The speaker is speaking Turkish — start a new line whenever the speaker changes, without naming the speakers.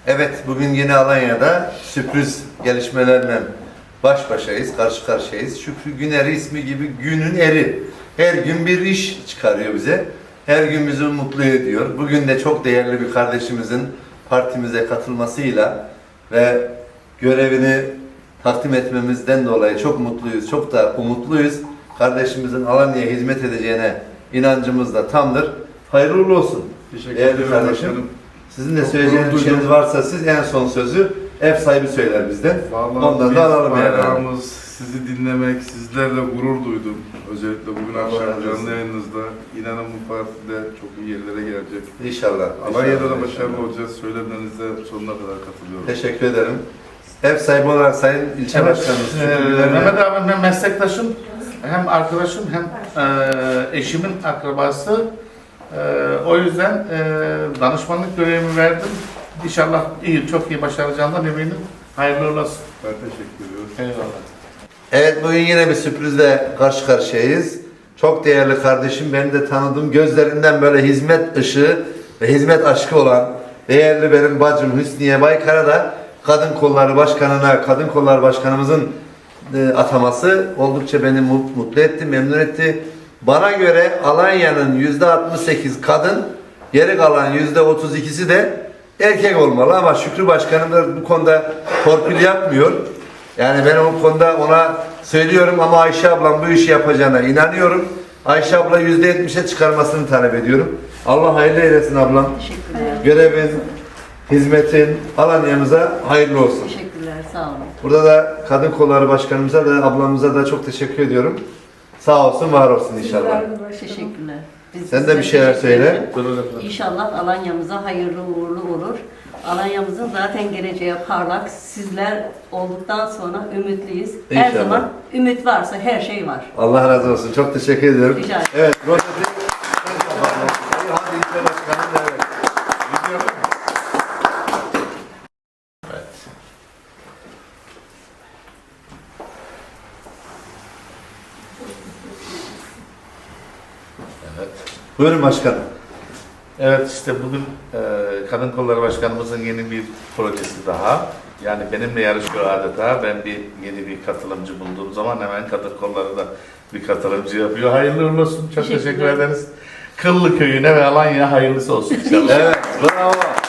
Evet, bugün yine Alanya'da sürpriz gelişmelerle baş başayız, karşı karşıyayız. Şükrü Güner'i ismi gibi günün eri. Her gün bir iş çıkarıyor bize. Her gün bizi mutlu ediyor. Bugün de çok değerli bir kardeşimizin partimize katılmasıyla ve görevini takdim etmemizden dolayı çok mutluyuz, çok da umutluyuz. Kardeşimizin Alanya'ya hizmet edeceğine inancımız da tamdır. Hayırlı uğurlu olsun.
Teşekkür
Değerli
ederim
kardeşim.
başkanım.
Sizin de söyleyeceğiniz bir şeyiniz varsa siz en son sözü ev sahibi söyler bizden.
Vallahi
Ondan
biz
da alalım yani.
bayrağımız, sizi dinlemek, sizlerle gurur duydum. Özellikle bugün
Allah
akşam
razı olsun.
canlı yayınınızda. İnanın bu partide çok iyi yerlere gelecek.
İnşallah.
Alanya'da da
İnşallah.
başarılı olacağız. Söylemlerinize sonuna kadar katılıyorum.
Teşekkür ederim. Ev sahibi olarak Sayın İlçe Başkanımız Şükrü Güner'le-
Mehmet abi ben meslektaşım, hem arkadaşım hem eşimin akrabası. O yüzden danışmanlık görevimi verdim. İnşallah iyi, çok iyi başaracağından eminim. Hayırlı uğurlu olsun.
Ben teşekkür ediyorum.
Eyvallah.
Evet, bugün yine bir sürprizle karşı karşıyayız. Çok değerli kardeşim, benim de tanıdığım, gözlerinden böyle hizmet ışığı ve hizmet aşkı olan değerli benim bacım Hüsniye Baykar'a da Kadın Kolları Başkanı'na, Kadın Kolları Başkanımızın ataması oldukça beni mutlu etti, memnun etti. Bana göre Alanya'nın %68 kadın, geri kalan %32'si de erkek olmalı ama Şükrü Başkanım da bu konuda torpil yapmıyor. Yani ben o konuda ona söylüyorum ama Ayşe ablam bu işi yapacağına inanıyorum. Ayşe abla %70'e çıkarmasını talep ediyorum. Allah hayırlı eylesin ablam.
Teşekkürler.
Görevin, hizmetin Alanya'mıza hayırlı olsun.
Teşekkürler, sağ olun.
Burada da Kadın Kolları Başkanımıza da ablamıza da çok teşekkür ediyorum. Sağ olsun, var olsun inşallah.
Teşekkürler. Biz
Sen de
size
bir şeyler
teşekkür
söyle.
ederim. İnşallah Alanya'mıza hayırlı uğurlu olur. Alanya'mızın zaten geleceği parlak. Sizler olduktan sonra ümitliyiz. Her
İnşallah.
zaman ümit varsa her şey var.
Allah razı olsun. Çok teşekkür ediyorum.
Rica ederim.
Evet, Rozeti. Hadi İlçe Başkanım da evet.
Evet.
Buyurun başkanım.
Evet, işte bugün Kadın Kolları Başkanımızın yeni bir projesi daha. Yani benimle yarışıyor adeta. Ben yeni bir katılımcı bulduğum zaman hemen Kadın Kolları da bir katılımcı yapıyor. Hayırlı uğurlu olsun. Çok teşekkür
Teşekkürler.
ederiz. Kıllı köyüne ve Alanya'ya hayırlısı olsun inşallah.
Evet, bravo.